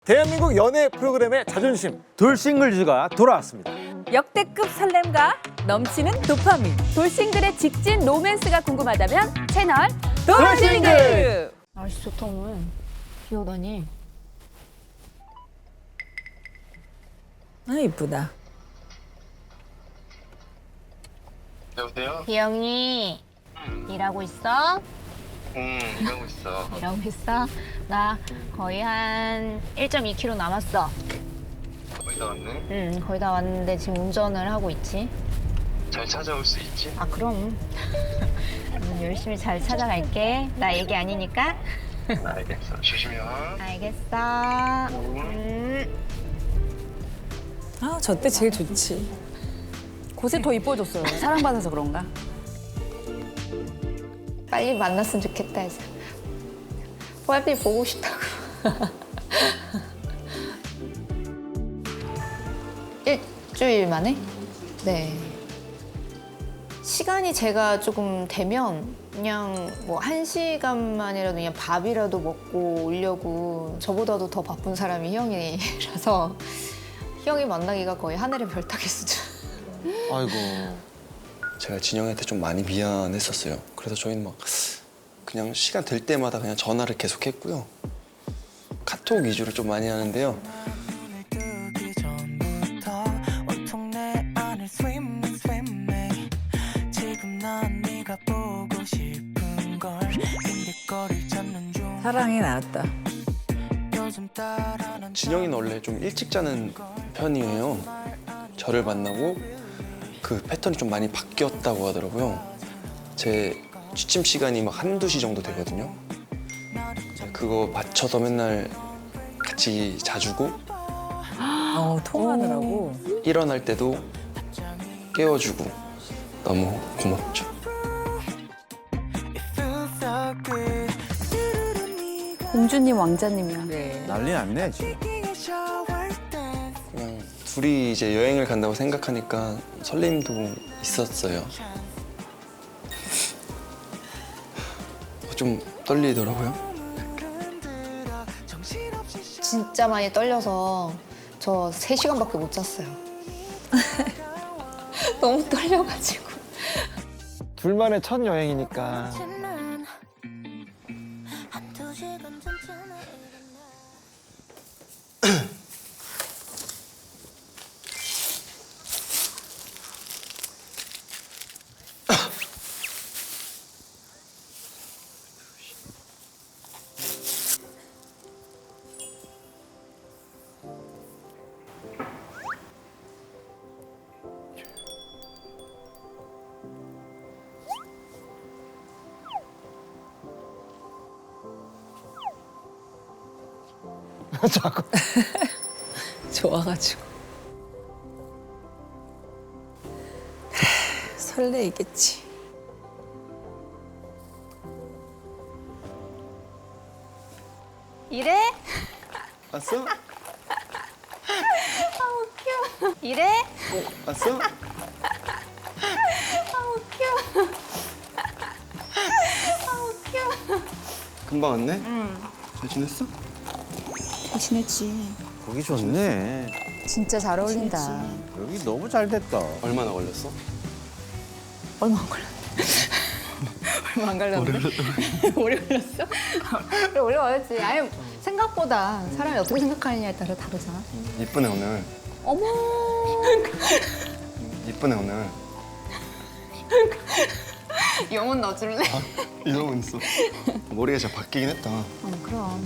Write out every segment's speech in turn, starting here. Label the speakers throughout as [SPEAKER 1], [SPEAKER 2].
[SPEAKER 1] 대한민국 연애 프로그램의 자존심.
[SPEAKER 2] 돌싱글즈가 돌아왔습니다.
[SPEAKER 3] 역대급 설렘과 넘치는 도파민. 돌싱글의 직진 로맨스가 궁금하다면 채널 돌싱글.
[SPEAKER 4] 날씨 좋다 오늘. 비 오다니.
[SPEAKER 3] 아 이쁘다.
[SPEAKER 5] 여보세요?
[SPEAKER 4] 비영이 일하고 있어?
[SPEAKER 5] 일하고 있어.
[SPEAKER 4] 일하고 있어? 나 거의 한 1.2km 남았어.
[SPEAKER 5] 거의 다 왔네.
[SPEAKER 4] 거의 다 왔는데 지금 운전을 하고 있지.
[SPEAKER 5] 잘 찾아올 수 있지?
[SPEAKER 4] 아 그럼. 열심히 잘 찾아갈게. 나 얘기 아니니까.
[SPEAKER 5] 알겠어. 조심히 와.
[SPEAKER 4] 알겠어.
[SPEAKER 3] 아 저 때 제일 좋지. 곳에 더 이뻐졌어요. 사랑받아서 그런가?
[SPEAKER 4] 빨리 만났으면 좋겠다 해서. 빨리 보고 싶다고. 일주일 만에? 네. 시간이 제가 조금 되면 그냥 뭐 1시간만이라도 그냥 밥이라도 먹고 오려고 저보다도 더 바쁜 사람이 형이라서 형이 만나기가 거의 하늘의 별 따기 수준.
[SPEAKER 6] 아이고. 제가 진영이한테 좀 많이 미안했었어요. 그래서 저희는 막 그냥 시간 될 때마다 그냥 전화를 계속 했고요. 카톡 위주로 좀 많이 하는데요.
[SPEAKER 3] 사랑이 나왔다.
[SPEAKER 6] 진영이는 원래 좀 일찍 자는 편이에요. 저를 만나고 그 패턴이 좀 많이 바뀌었다고 하더라고요. 제 취침 시간이 막 한두 시 정도 되거든요. 그거 맞춰서 맨날 같이 자주고
[SPEAKER 3] 통화하느라고.
[SPEAKER 6] 일어날 때도 깨워주고 너무 고맙죠.
[SPEAKER 3] 공주님 왕자님이야.
[SPEAKER 2] 난리 났네 지금.
[SPEAKER 6] 그냥 둘이 이제 여행을 간다고 생각하니까 설렘도 있었어요. 좀 떨리더라고요.
[SPEAKER 4] 진짜 많이 떨려서 저 3시간밖에 못 잤어요. 너무 떨려가지고.
[SPEAKER 1] 둘만의 첫 여행이니까. 자꾸.
[SPEAKER 3] 좋아가지고. 설레이겠지.
[SPEAKER 4] 이래?
[SPEAKER 6] 왔어?
[SPEAKER 4] 이래?
[SPEAKER 6] 왔어? 금방 왔네? 잘 지냈어?
[SPEAKER 4] 지냈지.
[SPEAKER 2] 보기 좋네.
[SPEAKER 4] 진짜 잘 어울린다.
[SPEAKER 2] 여기 너무 잘 됐다.
[SPEAKER 6] 얼마나 걸렸어?
[SPEAKER 4] 얼마 안 걸렸네. 얼마 안 걸렸는데? 오래 걸렸어? 오래 걸렸지. 아니 생각보다 사람이 어떻게 생각하느냐에 따라 다르잖아.
[SPEAKER 6] 이쁘네 오늘.
[SPEAKER 4] 어머.
[SPEAKER 6] 이쁘네 오늘.
[SPEAKER 4] 영혼 넣어줄래?
[SPEAKER 6] 이러고 있어. 머리가 진짜 바뀌긴 했다.
[SPEAKER 4] 그럼.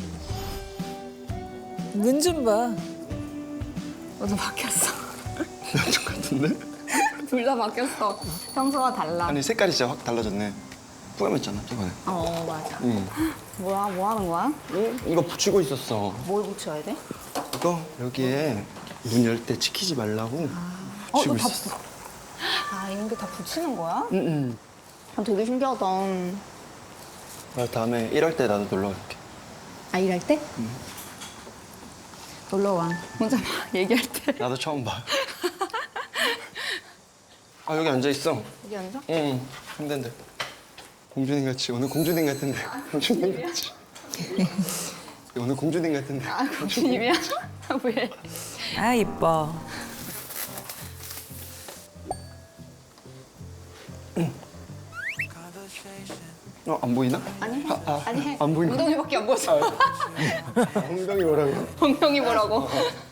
[SPEAKER 3] 눈 좀 봐.
[SPEAKER 4] 너도 바뀌었어.
[SPEAKER 6] 남자 같은데?
[SPEAKER 4] 둘 다 바뀌었어. 평소와 달라.
[SPEAKER 6] 아니 색깔이 진짜 확 달라졌네. 뿌염했잖아 저번에.
[SPEAKER 4] 맞아.
[SPEAKER 6] 응.
[SPEAKER 4] 뭐야, 뭐 하는 거야?
[SPEAKER 6] 응? 이거 붙이고 있었어.
[SPEAKER 4] 뭘 붙여야 돼?
[SPEAKER 6] 이거 여기에 문 열 때 치키지 말라고 붙이고
[SPEAKER 4] 이거 다
[SPEAKER 6] 있었어.
[SPEAKER 4] 이런 게 다 붙이는 거야?
[SPEAKER 6] 응.
[SPEAKER 4] 되게 신기하다.
[SPEAKER 6] 나 다음에 일할 때 나도 놀러 갈게.
[SPEAKER 4] 일할 때? 놀러 와. 혼자 막 얘기할 때.
[SPEAKER 6] 나도 처음 봐. 아 여기 앉아 있어.
[SPEAKER 4] 여기 앉아?
[SPEAKER 6] 응. 힘든데. 공주님 같이 오늘 공주님 같은데. 공주님 같이. 오늘 공주님 같은데.
[SPEAKER 4] 아, 공주님이야? 왜?
[SPEAKER 3] 아 이뻐.
[SPEAKER 6] 안 보이나?
[SPEAKER 4] 아니,
[SPEAKER 6] 아,
[SPEAKER 4] 아니.
[SPEAKER 6] 안 보이나?
[SPEAKER 4] 엉덩이밖에 안 보였어.
[SPEAKER 6] 엉덩이 뭐라고?
[SPEAKER 4] 엉덩이 뭐라고?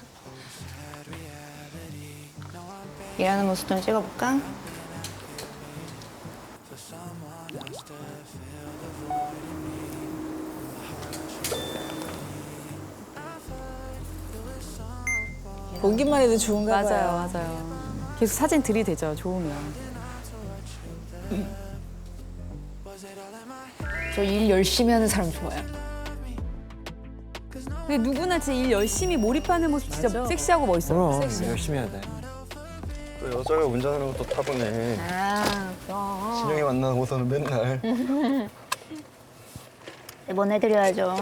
[SPEAKER 4] 일하는 모습 좀 찍어볼까?
[SPEAKER 3] 보기만 해도 좋은가
[SPEAKER 7] 맞아요,
[SPEAKER 3] 봐요.
[SPEAKER 7] 맞아요. 계속 사진 들이대죠, 좋으면.
[SPEAKER 4] 저 일 열심히 하는 사람 좋아요.
[SPEAKER 7] 근데 누구나 진짜 일 열심히 몰입하는 모습 진짜
[SPEAKER 3] 맞아.
[SPEAKER 7] 섹시하고 멋있어요.
[SPEAKER 1] 그럼 열심히 해야 돼.
[SPEAKER 6] 또 여자가 운전하는 것도 타보네.
[SPEAKER 4] 아, 그럼.
[SPEAKER 6] 진영이 만나고서는 맨날.
[SPEAKER 4] 매번 해드려야죠.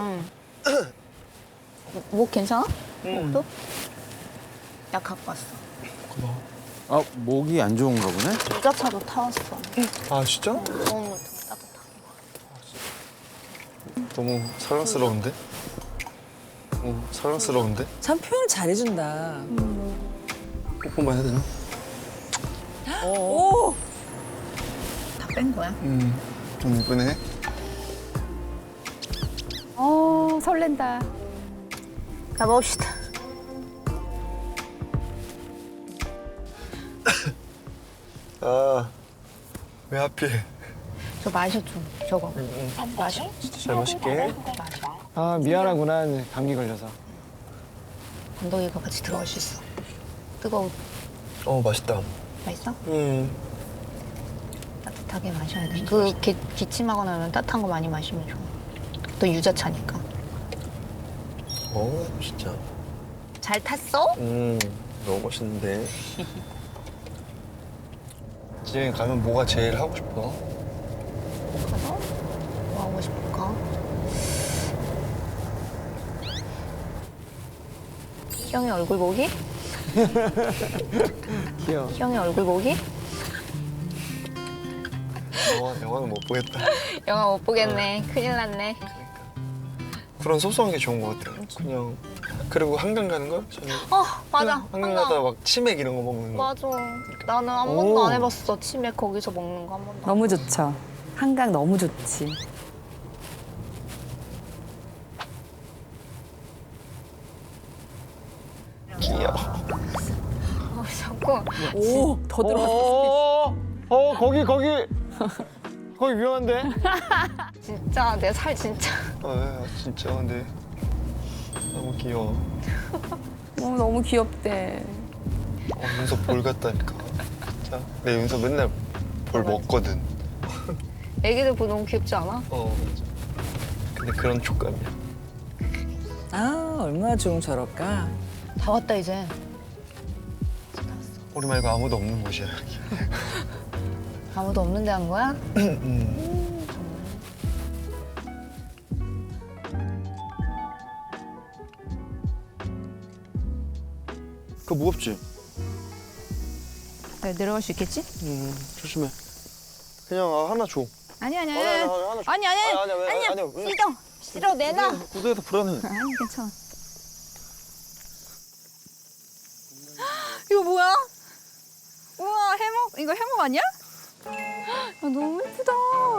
[SPEAKER 4] 목 괜찮아? 목도? 약 갖고 왔어.
[SPEAKER 2] 아 목이 안 좋은가 보네.
[SPEAKER 4] 유자차도 타왔어.
[SPEAKER 6] 아 진짜?
[SPEAKER 4] 너무 따뜻하게.
[SPEAKER 6] 너무 사랑스러운데? 너무 사랑스러운데?
[SPEAKER 3] 참 표현 잘해준다.
[SPEAKER 6] 뽀뽀만 해야 되나?
[SPEAKER 3] 오.
[SPEAKER 4] 다 뺀 거야?
[SPEAKER 6] 좀 이쁘네.
[SPEAKER 7] 설렌다.
[SPEAKER 4] 가봅시다.
[SPEAKER 6] 아, 왜 하필?
[SPEAKER 4] 저 마셔 좀. 저거. 마셔.
[SPEAKER 6] 진짜 잘 마실게.
[SPEAKER 4] 마셔.
[SPEAKER 1] 아 미안하구나 감기 걸려서.
[SPEAKER 4] 건더기가 같이 들어갈 수 있어. 뜨거워.
[SPEAKER 6] 맛있다.
[SPEAKER 4] 맛있어?
[SPEAKER 6] 음.
[SPEAKER 4] 따뜻하게 마셔야 돼. 기침하거나 하면 따뜻한 거 많이 마시면 좋아. 또 유자차니까.
[SPEAKER 6] 진짜.
[SPEAKER 4] 잘 탔어?
[SPEAKER 6] 너무 멋있는데. 지영이 가면 뭐가 제일 하고 싶어?
[SPEAKER 4] 가서 뭐 하고 싶을까? 희영이 얼굴 보기?
[SPEAKER 1] 귀여워.
[SPEAKER 4] 희영이 얼굴 보기?
[SPEAKER 6] 영화는 못 보겠다.
[SPEAKER 4] 영화 못 보겠네. 큰일 났네.
[SPEAKER 6] 그런 소소한 게 좋은 것 같아요. 그냥 그리고 한강 가는 거? 저는
[SPEAKER 4] 맞아.
[SPEAKER 6] 한강 가다 막 치맥 이런 거 먹는 거.
[SPEAKER 4] 맞아. 나는 한 번도 안 해봤어. 치맥 거기서 먹는 거 한 번도.
[SPEAKER 7] 너무 좋죠. 한강 너무 좋지.
[SPEAKER 6] 귀여워.
[SPEAKER 4] 자꾸
[SPEAKER 3] 오. 더 들어왔어.
[SPEAKER 1] 거기 위험한데?
[SPEAKER 4] 진짜 내 살 진짜.
[SPEAKER 6] 진짜 근데 너무 귀여워.
[SPEAKER 7] 너무 귀엽대.
[SPEAKER 6] 윤서 볼 같다니까. 진짜. 내 윤서 맨날 볼 먹거든.
[SPEAKER 4] 애기들 보면 너무 귀엽지 않아?
[SPEAKER 6] 맞아. 근데 그런 촉감이야.
[SPEAKER 3] 아 얼마나 좋으면 저럴까.
[SPEAKER 4] 다 왔다 이제.
[SPEAKER 6] 우리 말고 아무도 없는 곳이야.
[SPEAKER 4] 아무도 없는데 한 거야?
[SPEAKER 6] 그거 무겁지?
[SPEAKER 7] 내려갈 수 있겠지?
[SPEAKER 6] 조심해. 그냥 하나 줘.
[SPEAKER 7] 아니 아니
[SPEAKER 6] 하나 줘.
[SPEAKER 7] 아니 아니
[SPEAKER 6] 아니야.
[SPEAKER 7] 싫어 내놔.
[SPEAKER 6] 구두에서 불안해.
[SPEAKER 7] 아니 괜찮아. 이거 뭐야? 우와 해먹 이거 해먹 아니야? 야, 너무 예쁘다.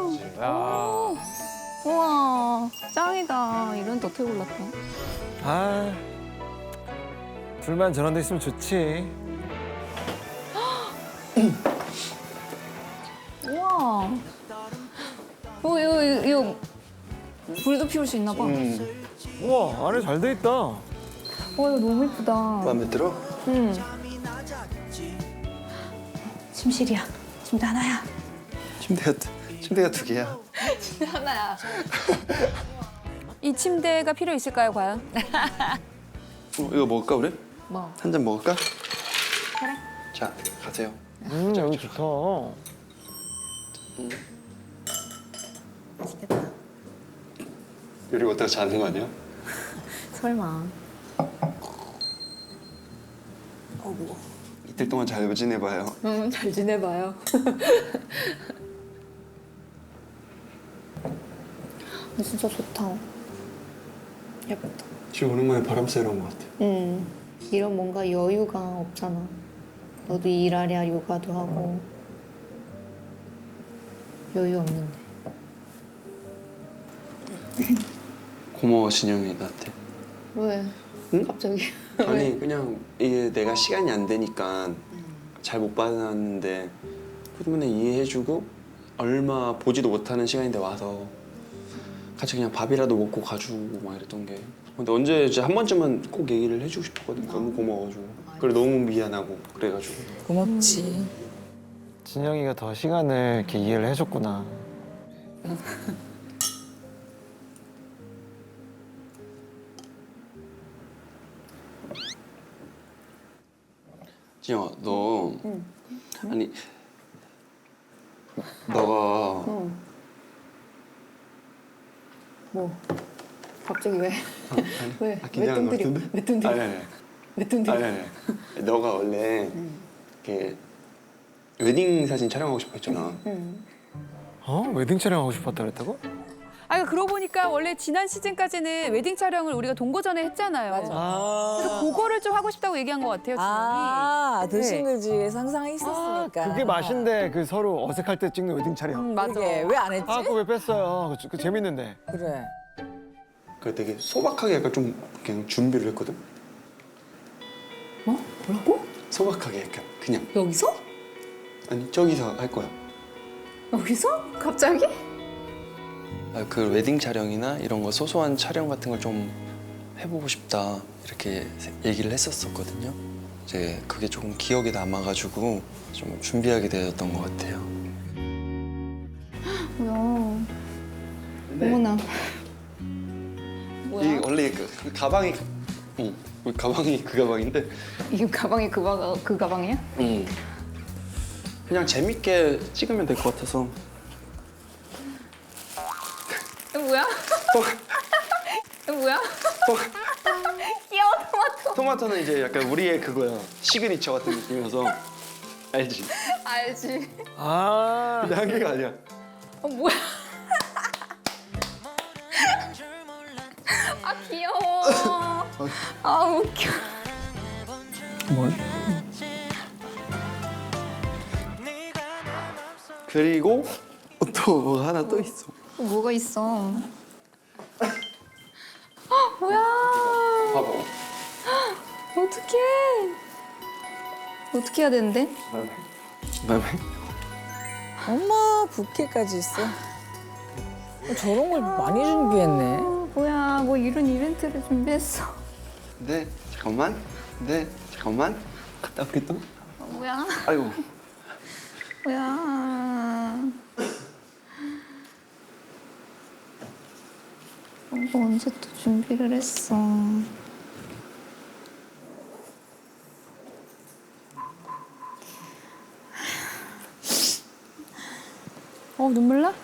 [SPEAKER 7] 우와 짱이다. 이런 데 어떻게 골랐대?
[SPEAKER 1] 아 둘만 저런 데 있으면 좋지.
[SPEAKER 7] 우와. 이거 불도 피울 수 있나 봐.
[SPEAKER 1] 우와 안에 잘 돼 있다.
[SPEAKER 7] 와 이거 너무 예쁘다.
[SPEAKER 6] 마음에 들어?
[SPEAKER 7] 응. 침실이야. 침대 하나야.
[SPEAKER 6] 침대가 두 개야.
[SPEAKER 4] 하나야.
[SPEAKER 7] 이 침대가 필요 있을까요, 과연?
[SPEAKER 6] 이거 먹을까 우리?
[SPEAKER 4] 뭐?
[SPEAKER 6] 한 잔 먹을까? 그래. 자 가세요.
[SPEAKER 1] 여기 좋다.
[SPEAKER 4] 맛있겠다.
[SPEAKER 6] 이러고 어디다 자는 거 아니야?
[SPEAKER 4] 설마.
[SPEAKER 6] 이틀 동안 잘 지내봐요.
[SPEAKER 4] 잘 지내봐요. 진짜 좋다. 예쁘다.
[SPEAKER 6] 지금 오랜만에 바람 쐬러 온 것 같아.
[SPEAKER 4] 이런 뭔가 여유가 없잖아. 너도 일하랴 요가도 하고 여유 없는데.
[SPEAKER 6] 고마워 진영이 나한테.
[SPEAKER 4] 왜?
[SPEAKER 6] 응?
[SPEAKER 4] 갑자기?
[SPEAKER 6] 아니 그냥 이게 내가 시간이 안 되니까 잘 못 받았는데 그러면 이해해주고 얼마 보지도 못하는 시간인데 와서 같이 그냥 밥이라도 먹고 가주고 막 이랬던 게. 근데 언제 이제 한 번쯤은 꼭 얘기를 해주고 싶었거든. 너무 고마워가지고. 그래 너무 미안하고 그래가지고.
[SPEAKER 3] 고맙지.
[SPEAKER 1] 진영이가 더 시간을 이렇게 이해를 해줬구나.
[SPEAKER 6] 진영아 너 아니 너가
[SPEAKER 4] 뭐? 갑자기 왜? 왜?
[SPEAKER 6] 긴장한 것 같은데?
[SPEAKER 4] 왜 뚱들이?
[SPEAKER 6] 아니
[SPEAKER 4] 왜 뚱들이?
[SPEAKER 6] 아니 너가 원래 이렇게 웨딩 사진 촬영하고 싶어 했잖아.
[SPEAKER 1] 어? 웨딩 촬영하고 싶었다 그랬다고?
[SPEAKER 7] 아 그러고 보니까 원래 지난 시즌까지는 웨딩 촬영을 우리가 동거전에 했잖아요. 그래서 그거를 좀 하고 싶다고 얘기한 것 같아요, 진영이.
[SPEAKER 3] 아,
[SPEAKER 7] 네.
[SPEAKER 3] 들싱글즈의 상상이 있었으니까.
[SPEAKER 1] 그게 맛인데 그 서로 어색할 때 찍는 웨딩 촬영.
[SPEAKER 7] 맞아.
[SPEAKER 3] 왜 안 했지?
[SPEAKER 1] 아, 그거 왜 뺐어요? 그 재밌는데.
[SPEAKER 3] 그래.
[SPEAKER 6] 그 되게 소박하게 약간 좀 그냥 준비를 했거든.
[SPEAKER 4] 뭐? 뭐라고?
[SPEAKER 6] 소박하게 약간 그냥
[SPEAKER 4] 여기서?
[SPEAKER 6] 아니 저기서 할 거야.
[SPEAKER 4] 여기서? 갑자기?
[SPEAKER 6] 그 웨딩 촬영이나 이런 거 소소한 촬영 같은 걸 좀 해보고 싶다 이렇게 얘기를 했었거든요. 이제 그게 조금 기억에 남아가지고 좀 준비하게 되었던 것 같아요.
[SPEAKER 4] 뭐야? 어머나.
[SPEAKER 6] 이 원래 그 가방이 우리 가방이 그 가방인데
[SPEAKER 4] 이 가방이 그 가방이야?
[SPEAKER 6] 그냥 재밌게 찍으면 될 것 같아서.
[SPEAKER 4] 이거 뭐야? 이거 뭐야? 귀여워 토마토.
[SPEAKER 6] 토마토는 이제 약간 우리의 그거야. 시그니처 같은 느낌이어서 알지?
[SPEAKER 4] 알지?
[SPEAKER 1] 아,
[SPEAKER 6] 근데 한 개가 아니야.
[SPEAKER 4] 뭐야? 아 귀여워. 아 웃겨.
[SPEAKER 6] 그리고 또 뭐가 하나 또 있어.
[SPEAKER 4] 뭐가 있어? 뭐야?
[SPEAKER 6] 봐봐.
[SPEAKER 4] 어떡해? 어떻게 해야 되는데?
[SPEAKER 6] 그다음에
[SPEAKER 3] 엄마 부케까지 있어. 저런 걸 많이 준비했네.
[SPEAKER 4] 뭐야? 뭐 이런 이벤트를 준비했어.
[SPEAKER 6] 네 잠깐만. 네 잠깐만. 갔다 올게 또.
[SPEAKER 4] 뭐야?
[SPEAKER 6] 아이고.
[SPEAKER 4] 뭐야? 이거 언제 또 준비를 했어?
[SPEAKER 7] 눈물 나?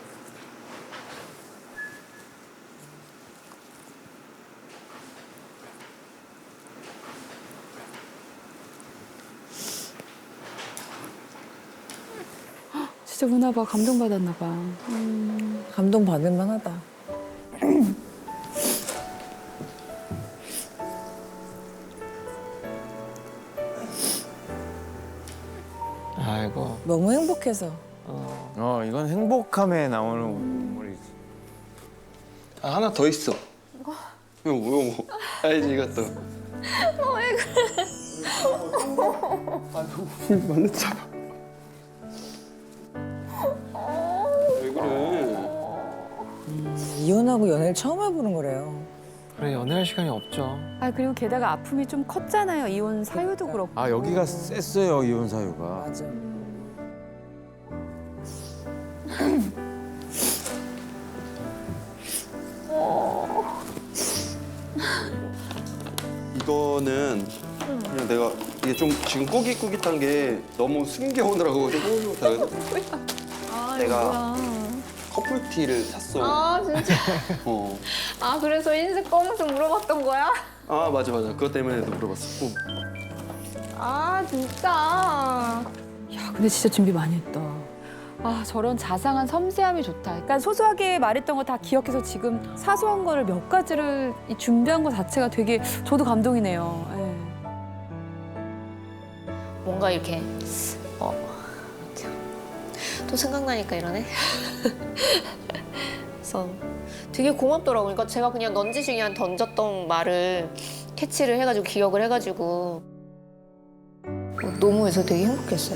[SPEAKER 7] 진짜 우나 봐. 감동받았나 봐.
[SPEAKER 3] 감동 받을 만하다.
[SPEAKER 1] 아이고.
[SPEAKER 3] 너무 행복해서.
[SPEAKER 2] 이건 행복함에 나오는 눈물이지.
[SPEAKER 6] 아 하나 더 있어. 이거 뭐야 뭐. 알지 이것도. 왜 그래? 아이고 많았잖아. 왜 그래?
[SPEAKER 3] 이혼하고 연애를 처음 해보는 거래요.
[SPEAKER 1] 그래, 연애할 시간이 없죠.
[SPEAKER 7] 아 그리고 게다가 아픔이 좀 컸잖아요. 이혼 사유도 그렇고.
[SPEAKER 2] 아 여기가 셌어요 이혼 사유가.
[SPEAKER 3] 맞아.
[SPEAKER 6] 이거는 그냥 내가 이게 좀 지금 꾸깃꾸깃한 게 너무 숨겨오느라고 좀 꾸깃꾸깃하거든.
[SPEAKER 4] 아
[SPEAKER 6] 내가 커플티를 샀어.
[SPEAKER 4] 아 진짜?
[SPEAKER 6] 어.
[SPEAKER 4] 아 그래서 흰색 검은색 물어봤던 거야?
[SPEAKER 6] 아 맞아. 그것 때문에도 물어봤었고.
[SPEAKER 4] 아 진짜?
[SPEAKER 7] 야 근데 진짜 준비 많이 했다. 아 저런 자상한 섬세함이 좋다. 그러니까 소소하게 말했던 거 다 기억해서 지금 사소한 거를 몇 가지를 이 준비한 거 자체가 되게 저도 감동이네요. 예.
[SPEAKER 4] 뭔가 이렇게 또 생각나니까 이러네. 그래서 되게 고맙더라고요. 그러니까 제가 그냥 넌지시 그냥 던졌던 말을 캐치를 해가지고 기억을 해가지고 너무 해서 되게 행복했어요.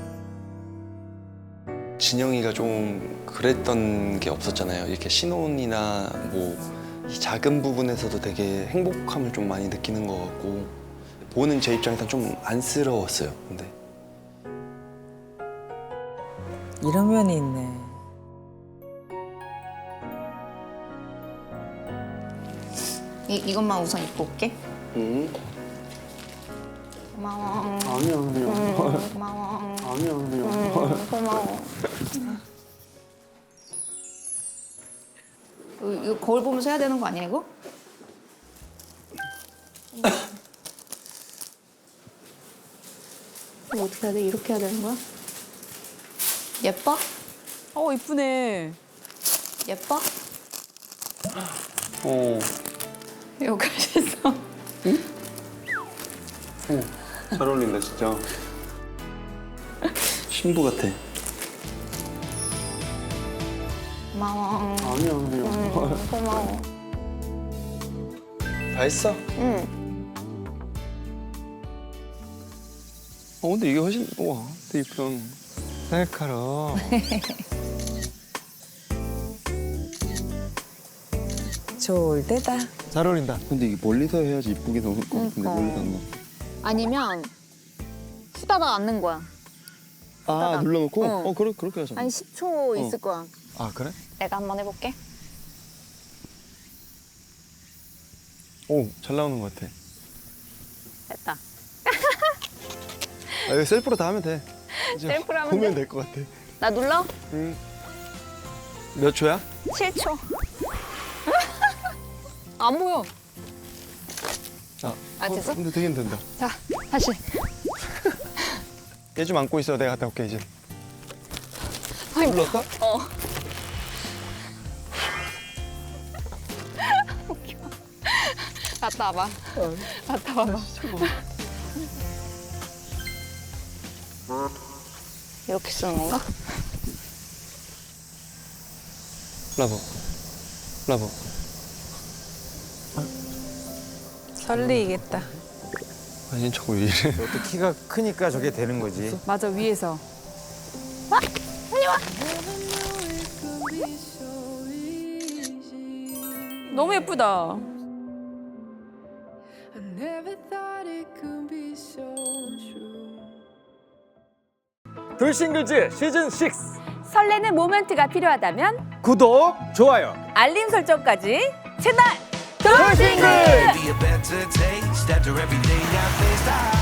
[SPEAKER 6] 진영이가 좀 그랬던 게 없었잖아요. 이렇게 신혼이나 뭐 이 작은 부분에서도 되게 행복함을 좀 많이 느끼는 것 같고 보는 제 입장에선 좀 안쓰러웠어요. 근데
[SPEAKER 3] 이런 면이 있네.
[SPEAKER 4] 이것만 우선 입고 올게. 고마워.
[SPEAKER 1] 아니요,
[SPEAKER 4] 고마워.
[SPEAKER 1] 아니요.
[SPEAKER 4] 고마워. 이거 거울 보면서 해야 되는 거 아니야 이거? 이거 어떻게 해야 돼? 이렇게 해야 되는 거야? 예뻐?
[SPEAKER 7] 이쁘네.
[SPEAKER 4] 예뻐?
[SPEAKER 7] 여기 있어.
[SPEAKER 6] 잘 어울린다 진짜. 신부 같아.
[SPEAKER 4] 고마워.
[SPEAKER 1] 아니요.
[SPEAKER 4] 고마워.
[SPEAKER 6] 다 했어?
[SPEAKER 4] 응.
[SPEAKER 6] 근데 이게 훨씬 우와 되게 예쁘다.
[SPEAKER 1] 셀카로.
[SPEAKER 3] 좋을 때다.
[SPEAKER 1] 잘 어울린다.
[SPEAKER 6] 근데 이게 멀리서 해야지 이쁘게 나올 것 같은데
[SPEAKER 4] 그러니까.
[SPEAKER 6] 멀리서 안 나와.
[SPEAKER 4] 아니면 후다닥 앉는 거야.
[SPEAKER 6] 아 눌러놓고?
[SPEAKER 4] 어.
[SPEAKER 6] 그렇게 하자.
[SPEAKER 4] 한 10초 있을 거야.
[SPEAKER 1] 아, 그래?
[SPEAKER 4] 내가 한번 해볼게.
[SPEAKER 1] 오, 잘 나오는 것 같아.
[SPEAKER 4] 됐다.
[SPEAKER 1] 이거 셀프로 다 하면 돼. 이제
[SPEAKER 4] 셀프로 하면
[SPEAKER 1] 보면
[SPEAKER 4] 돼?
[SPEAKER 1] 될 것 같아.
[SPEAKER 4] 나 눌러?
[SPEAKER 1] 몇 초야?
[SPEAKER 4] 7초. 안 보여. 됐어?
[SPEAKER 1] 근데 되긴 된다.
[SPEAKER 4] 자, 다시.
[SPEAKER 1] 얘 좀 안고 있어. 내가 갔다 올게, 이제.
[SPEAKER 6] 눌렀어?
[SPEAKER 4] 갔다 와봐. 갔다 와봐. 이렇게 쓰는 건가?
[SPEAKER 6] 라보.
[SPEAKER 3] 설레이겠다.
[SPEAKER 1] 아니, 저거 왜 이래.
[SPEAKER 2] 또 키가 크니까 저게 되는 거지.
[SPEAKER 7] 맞아 위에서. 너무 예쁘다.
[SPEAKER 2] 돌싱글즈 시즌 6
[SPEAKER 7] 설레는 모멘트가 필요하다면
[SPEAKER 2] 구독, 좋아요.
[SPEAKER 7] 알림 설정까지 채널
[SPEAKER 2] 돌싱글!
[SPEAKER 8] Be a better taste after every day I faced.